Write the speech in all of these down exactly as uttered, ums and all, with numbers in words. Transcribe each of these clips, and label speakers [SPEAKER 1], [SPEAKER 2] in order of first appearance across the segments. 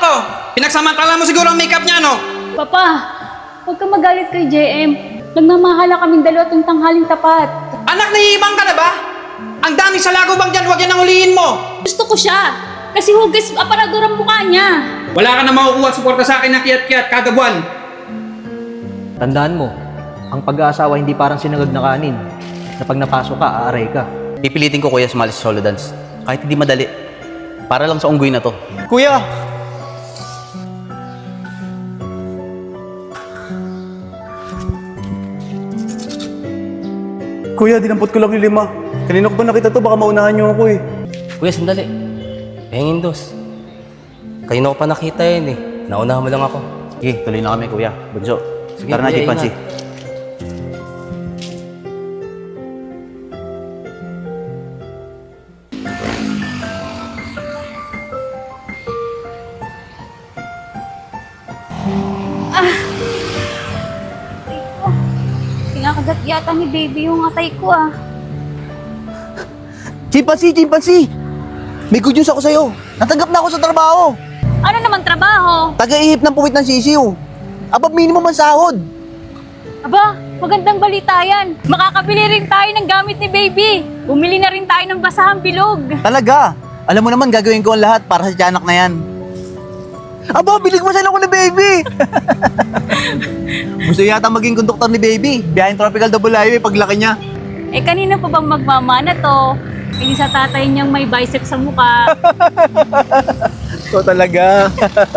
[SPEAKER 1] to? Pinagsamantala mo siguro ang makeup niya, no?
[SPEAKER 2] Papa, huwag kang magalit kay J M. Nagmamahala kaming dalawa tuwing tanghaling tapat.
[SPEAKER 1] Anak, naiibang ka na ba? Ang dami sa lagubang dyan, huwag yan ang huliin mo.
[SPEAKER 2] Gusto ko siya. Kasi hugis aparador ang mukha niya.
[SPEAKER 1] Wala ka na makukuha at suporta sa akin na kiyat-kiyat kada buwan.
[SPEAKER 3] Tandaan mo, ang pag-aasawa hindi parang sinangag na kanin na pag napasok ka, aaray ka.
[SPEAKER 4] Pipilitin ko kuya sumali sa solo dance. Kahit hindi madali. Para lang sa unggoy na to.
[SPEAKER 3] Kuya!
[SPEAKER 5] Kuya, dinampot ko lang yung lima. Kanina ko ba nakita to? Baka maunahan niyo ako eh.
[SPEAKER 6] Kuya, sandali. Pahingin dos. Kanina ko pa nakita yun eh. Naunahan mo lang ako.
[SPEAKER 4] Sige, tuloy na kami kuya. Bunso,
[SPEAKER 6] Sige,
[SPEAKER 4] tara na
[SPEAKER 6] kuya,
[SPEAKER 4] chimpanzee.
[SPEAKER 6] ingat.
[SPEAKER 2] Kinakagat yata ni baby yung atay ko ah.
[SPEAKER 7] Chimpanzee, chimpanzee! May good news ako sa'yo. Natanggap na ako sa trabaho.
[SPEAKER 2] Ano naman trabaho?
[SPEAKER 7] Taga-ihip ng puwit ng sisiw. Above minimum ang sahod.
[SPEAKER 2] Aba, magandang balita yan. Makakabili rin tayo ng gamit ni baby. Bumili na rin tayo ng basahang bilog.
[SPEAKER 7] Talaga. Alam mo naman, gagawin ko ang lahat para sa tiyanak na yan. Aba, bilig mo sana ko ni baby! Gusto yata maging konduktor ni baby. Biyaheng Tropical Double Highway paglaki niya.
[SPEAKER 2] Eh kanina pa bang magmamana to? Hindi sa tatay niyang may biceps sa mukha.
[SPEAKER 7] Ito talaga.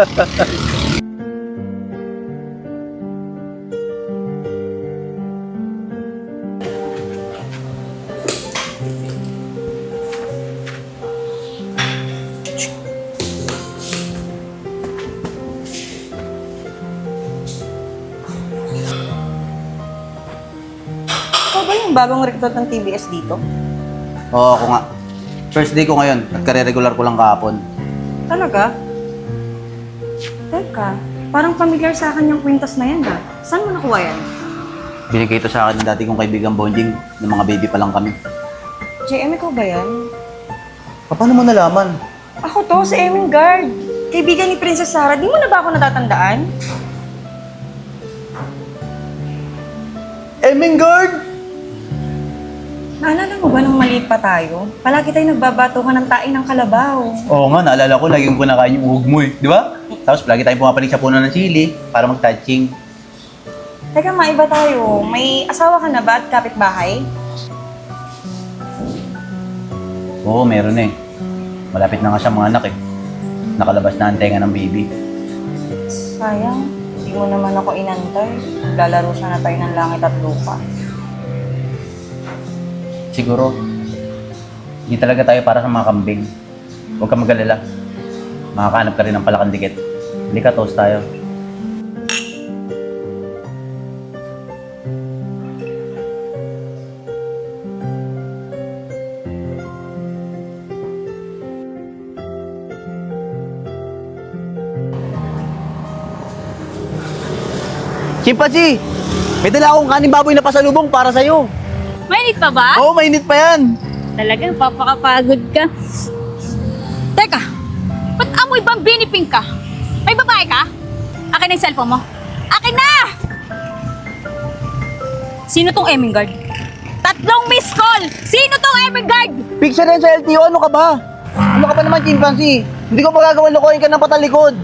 [SPEAKER 8] Ikaw ba yung bagong recruit ng T B S dito?
[SPEAKER 4] Oo, ako nga. First day ko ngayon at kare-regular ko lang kahapon.
[SPEAKER 8] Talaga? Teka, parang familiar sa akin yung kwintas na yan ha. Saan mo nakuha yan?
[SPEAKER 4] Binigay ito sa akin ng dati kong kaibigang bonding ng mga baby pa lang kami.
[SPEAKER 8] J M, ikaw ba yan?
[SPEAKER 7] Paano mo nalaman?
[SPEAKER 8] Ako to, si Eming Guard. Kaibigan ni Princess Sarah. Di mo na ba ako natatandaan?
[SPEAKER 7] Emingard!
[SPEAKER 8] Naalala mo ba nung maliit pa tayo? Palagi tayo nagbabatukan ng tae ng kalabaw.
[SPEAKER 4] Oo nga, naalala ko, lagi ko kinakain yung uhog mo eh. Di ba? Tapos lagi tayong pumapalig sa puno ng chili para mag-touching.
[SPEAKER 8] Teka, maiba tayo. May asawa ka na ba at kapitbahay?
[SPEAKER 4] Oo, meron eh. Malapit na nga siya mga anak eh. Nakalabas na ang tenga ng baby.
[SPEAKER 8] Sayang, hindi mo naman ako inantay. Lalaro sana tayo ng langit at lupa.
[SPEAKER 4] Siguro, hindi talaga tayo para sa mga kambing. Huwag kang mag-alala. Makakahanap ka rin ng palakang dikit. Hindi ka, toast tayo.
[SPEAKER 7] Chimpanzee! May dala akong kanin baboy na pasalubong para sa'yo.
[SPEAKER 2] Mainit pa ba?
[SPEAKER 7] Oo, mainit pa yan.
[SPEAKER 2] Talagang papakapagod ka. Teka, ba't amoy bambini pink ka? May babae ka? Akin na yung cellphone mo. Akin na! Sino tong Eming Guard? Tatlong miss call! Sino tong Eming Guard?
[SPEAKER 7] Picture yan sa L T O, ano ka ba? Ano ka ba naman, chimpanzee? Hindi ko magagawa lokohin ka ng patalikod.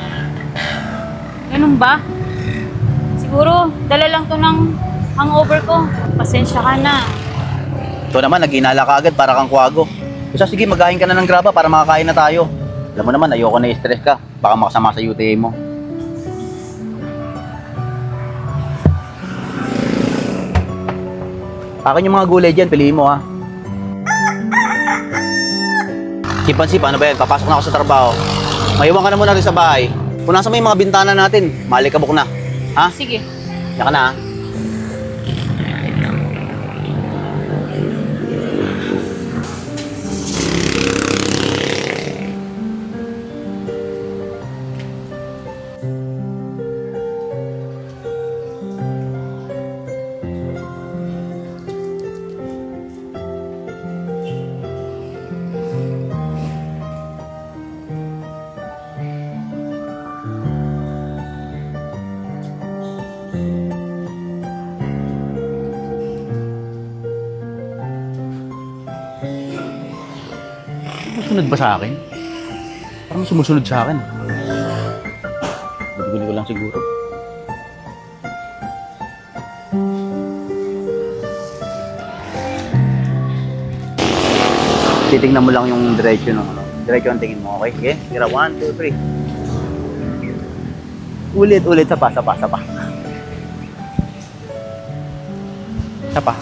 [SPEAKER 2] Ganun ba? Siguro, dala lang to ng hangover ko. Pasensya ka na.
[SPEAKER 4] Ito naman, nag-inala ka agad para kang kwago. Basta sige, maghain ka na ng graba para makakain na tayo. Alam mo naman, ayoko na i-stress ka. Baka makasama sa U T A mo. Akin yung mga gulay dyan, piliin mo ha. Chimpanzee, paano ba yan? Papasok na ako sa trabaho. Maiwan ka na muna rin sa bahay. Punasan mo yung mga bintana natin. Malikabok na. Ha?
[SPEAKER 2] Sige.
[SPEAKER 4] Yan ka na ha. Sumusunod ba sa akin? Parang sumusunod sa akin. Guli ko lang siguro. Titingnan mo lang yung diretso ng ano. Diretso ang tingin mo, okay? Sige, tira. One, two, three. Ulit, ulit. Sapa, sapa, sapa. Sapa.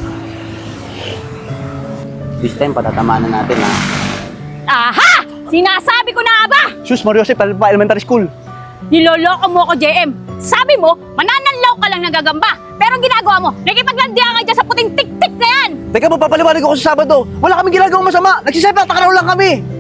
[SPEAKER 4] This time, patatamaan na natin, ha?
[SPEAKER 2] Aha! Sinasabi ko na ba?
[SPEAKER 5] Sus, Mario Jose, pa elementary school.
[SPEAKER 2] Niloloko mo ako, J M. Sabi mo, manananlaw ka lang nagagamba. Pero ang ginagawa mo, nakipaglandian ka dyan sa puting tik-tik na yan.
[SPEAKER 7] Teka, papapaliwanag ako sa Sabado. Wala kaming ginagawang masama. Nagsisepa, takaraw lang kami.